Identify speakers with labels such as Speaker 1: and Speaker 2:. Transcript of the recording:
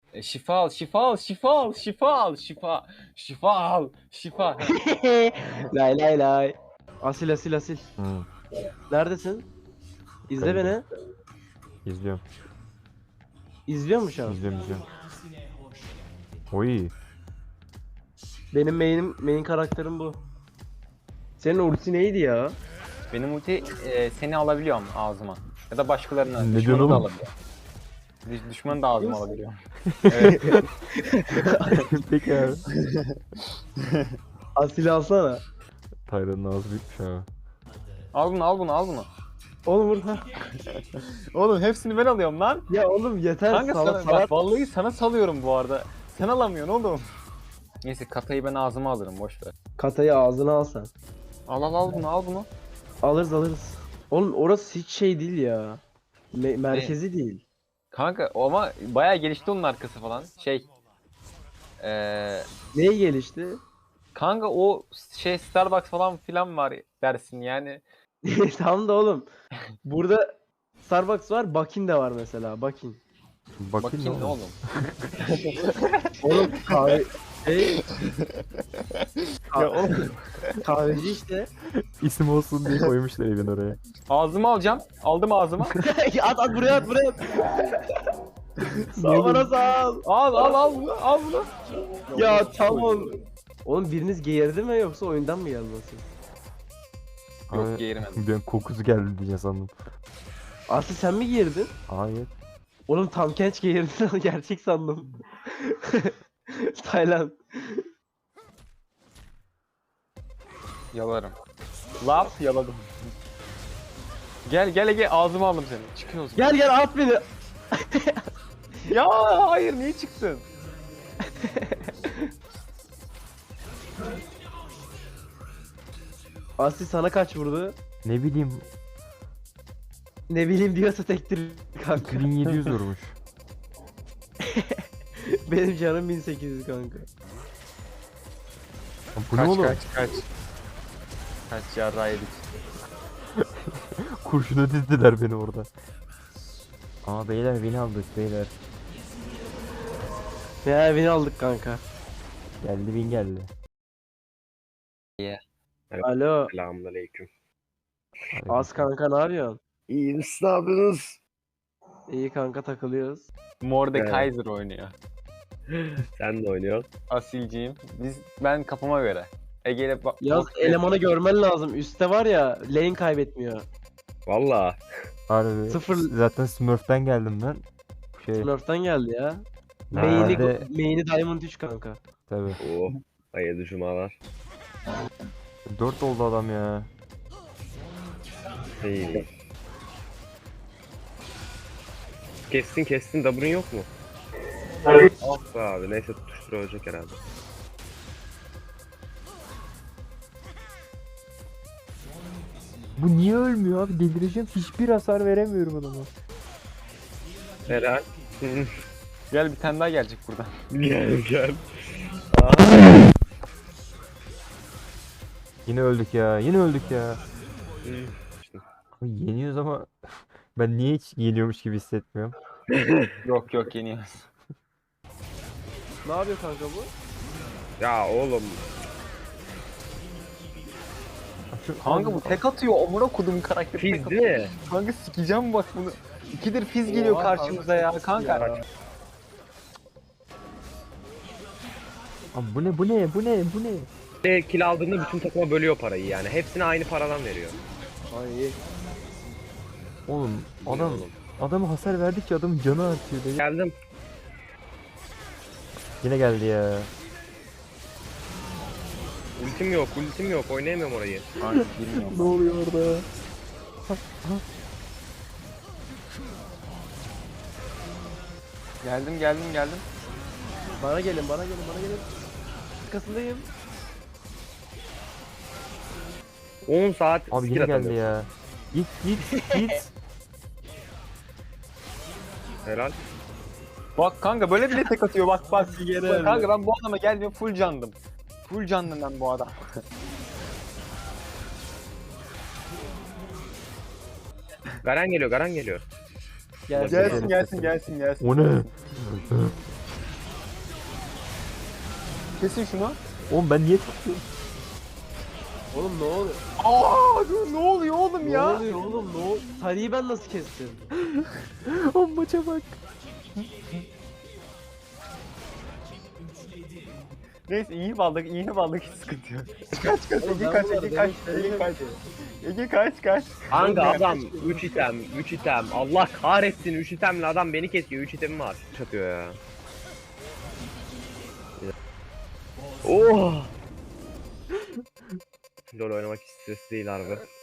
Speaker 1: Şifa al, şifa al, şifa al, şifa al, şifa. Şifa al, şifa.
Speaker 2: Lay lay lay. Asil asil asil.
Speaker 3: Hı,
Speaker 2: Neredesin? İzle
Speaker 3: geldim.
Speaker 2: beni.
Speaker 3: İzliyorum.
Speaker 2: İzliyor mu şu an?
Speaker 3: İzliyorum. Oy.
Speaker 2: Benim main karakterim bu. Senin ulti neydi ya?
Speaker 1: Benim ulti seni alabiliyorum ağzıma. Ya da başkalarına.
Speaker 3: Ne
Speaker 1: Düşmanı
Speaker 3: diyorsun
Speaker 1: da
Speaker 3: oğlum?
Speaker 1: alabiliyorum. Düşmanı da ağzıma alabiliyorum. Evet.
Speaker 3: Peki abi.
Speaker 2: Asil alsana.
Speaker 3: Taylan'ın ağzı büyükmüş abi.
Speaker 1: Al bunu, al bunu, al bunu.
Speaker 2: Oğlum burada.
Speaker 1: Oğlum hepsini ben alıyorum lan.
Speaker 2: Ya oğlum yeter
Speaker 1: Kanka
Speaker 2: sana
Speaker 1: sana,
Speaker 2: salar.
Speaker 1: bak vallahi sana salıyorum bu arada. Sen alamıyorsun oğlum. Neyse katayı ben ağzıma alırım, boş ver.
Speaker 2: Katayı ağzına al sen.
Speaker 1: Al al al bunu, al bunu.
Speaker 2: Alırız. Oğlum orası hiç şey değil ya. Merkezi değil.
Speaker 1: Kanka ama bayağı gelişti onun arkası falan.
Speaker 2: Neye gelişti?
Speaker 1: Kanka o Starbucks falan filan var dersin yani.
Speaker 2: Tamam da oğlum. Burada Starbucks var, Bakin de var mesela. Bakin.
Speaker 3: Bakayım
Speaker 1: Bakayım ne
Speaker 3: ne oğlum.
Speaker 1: oğlum.
Speaker 2: Oğlum kahve şey
Speaker 1: Ya oğlum.
Speaker 2: kahveci işte.
Speaker 3: İsim olsun diye koymuşlar evin oraya.
Speaker 1: Ağzıma alacağım. Aldım ağzıma.
Speaker 2: At buraya at buraya. Sağ bana sağ ol.
Speaker 1: Al al al bunu, al bunu.
Speaker 2: Ya tamam. Oğlum biriniz geğirdi mi yoksa oyundan mı geldi nasıl?
Speaker 1: Yok
Speaker 3: Abi,
Speaker 1: geğirmedim.
Speaker 3: ben kokusu geldi diye sandım.
Speaker 2: Aslı sen mi geğirdin?
Speaker 3: Hayır.
Speaker 2: Oğlum tam genç geğirdin gerçek sandım. Tayland.
Speaker 1: Yalarım. Laf yaladım. Gel ağzıma aldım seni. Çıkıyoruz.
Speaker 2: Gel at beni.
Speaker 1: Ya hayır niye çıktın?
Speaker 2: Aslı sana kaç vurdu?
Speaker 3: Ne bileyim
Speaker 2: Ne bileyim diyorsa tektir kanka.
Speaker 3: 2700 vurmuş.
Speaker 2: Benim canım 1800 kanka.
Speaker 3: Bu ne oğlum?
Speaker 1: Kaç. Kaç yarrağı yedik.
Speaker 3: Kurşuna dizdiler beni orada. Aa beyler beni aldık beyler.
Speaker 2: Ya beni aldık kanka.
Speaker 3: Geldi win geldi.
Speaker 2: Alo.
Speaker 4: Selamünaleyküm.
Speaker 2: Az kanka ne yapıyorsun?
Speaker 4: İyi misiniz? Ne yapıyorsunuz?
Speaker 2: İyi kanka takılıyoruz.
Speaker 1: Mordekaiser oynuyor.
Speaker 4: Sen de oynuyorsun.
Speaker 1: Asilciyim. Ben kafama göre. Ege'yle
Speaker 2: Yaz elemanı görmen lazım. Üste var ya lane kaybetmiyor.
Speaker 4: Valla.
Speaker 3: Harbi.
Speaker 2: Sıfır-
Speaker 3: Zaten Smurf'ten geldim ben.
Speaker 2: Smurf'tan geldi ya.
Speaker 3: Normalde-
Speaker 2: Main'i Diamond 3 kanka.
Speaker 3: Tabii.
Speaker 4: Oo. Hayırlı cumalar.
Speaker 3: 4 oldu adam ya.
Speaker 4: İyi. Kestin. W'un yok mu? Ah be abi. Neyse tutuştur ölecek herhalde.
Speaker 3: Bu niye ölmüyor abi? Delireceğim. Hiçbir hasar veremiyorum adama.
Speaker 4: Helal.
Speaker 1: Gel bir tane daha gelecek buradan.
Speaker 4: Gel.
Speaker 3: Yine öldük ya. Abi yeniyoruz ama ben niye hiç yeniyormuş gibi hissetmiyorum.
Speaker 1: Yok yeniyoruz.
Speaker 2: Ne yapıyor kanka bu?
Speaker 4: Ya oğlum.
Speaker 1: Kanka bu tek atıyor. Amına kodum karakteri tek
Speaker 4: Fiz
Speaker 1: atıyor.
Speaker 4: değil mi?
Speaker 1: Kanka sikeceğim bak bunu. İkidir fiz geliyor
Speaker 2: Oha,
Speaker 1: karşımıza ya kanka.
Speaker 2: ya.
Speaker 3: Abi bu ne?
Speaker 4: Kill aldığında bütün takıma bölüyor parayı yani. Hepsine aynı paradan veriyor.
Speaker 2: Ay
Speaker 3: Oğlum
Speaker 4: Bu ne oğlum?
Speaker 3: adamı hasar verdikçe adamın canı artıyor. Dedi.
Speaker 4: Geldim.
Speaker 3: Yine geldi ya.
Speaker 4: Ultim yok. Oynayamıyorum orayı.
Speaker 1: Kanka bilmiyorum.
Speaker 3: Ne oluyor orada?
Speaker 1: Geldim.
Speaker 2: bana gelin. Arkasındayım.
Speaker 4: 10 saat
Speaker 3: Abi
Speaker 4: skill
Speaker 3: yine geldi
Speaker 4: atamıyorum.
Speaker 3: ya. Git.
Speaker 4: Helal.
Speaker 1: Bak kanka böyle bile tek atıyor bak. Bak
Speaker 2: öyle.
Speaker 1: kanka ben bu adama gelmiyorum full candım. Full candım ben bu adam.
Speaker 4: Garan geliyor.
Speaker 2: Gelsin.
Speaker 1: Gelsin.
Speaker 3: O ne?
Speaker 1: Kesin şunu.
Speaker 3: Oğlum ben niye tutuyorum?
Speaker 2: Oğlum ne oluyor?
Speaker 1: Aa dur ne oluyor oğlum
Speaker 2: Ne
Speaker 1: ya?
Speaker 2: oluyor oğlum? Ne oluyor? Tarihi ben nasıl kestim?
Speaker 3: Oğlum maça bak.
Speaker 1: Neyse iyi baldık hiç sıkıntı yok. Kaç kaç
Speaker 2: Oğlum
Speaker 1: Ege
Speaker 2: ben
Speaker 1: kaç
Speaker 2: bunları
Speaker 1: Ege kaç
Speaker 2: demek
Speaker 1: Ege kaç
Speaker 2: istemiyorum
Speaker 1: Ege kaç.
Speaker 4: Kanka
Speaker 1: Oğlum,
Speaker 4: adam 3 item 3 item. Allah kahretsin 3 itemle adam beni kesiyor. 3 itemim var. Çatıyor ya. Oh. LoL oynamak hiç stresli değil harbi.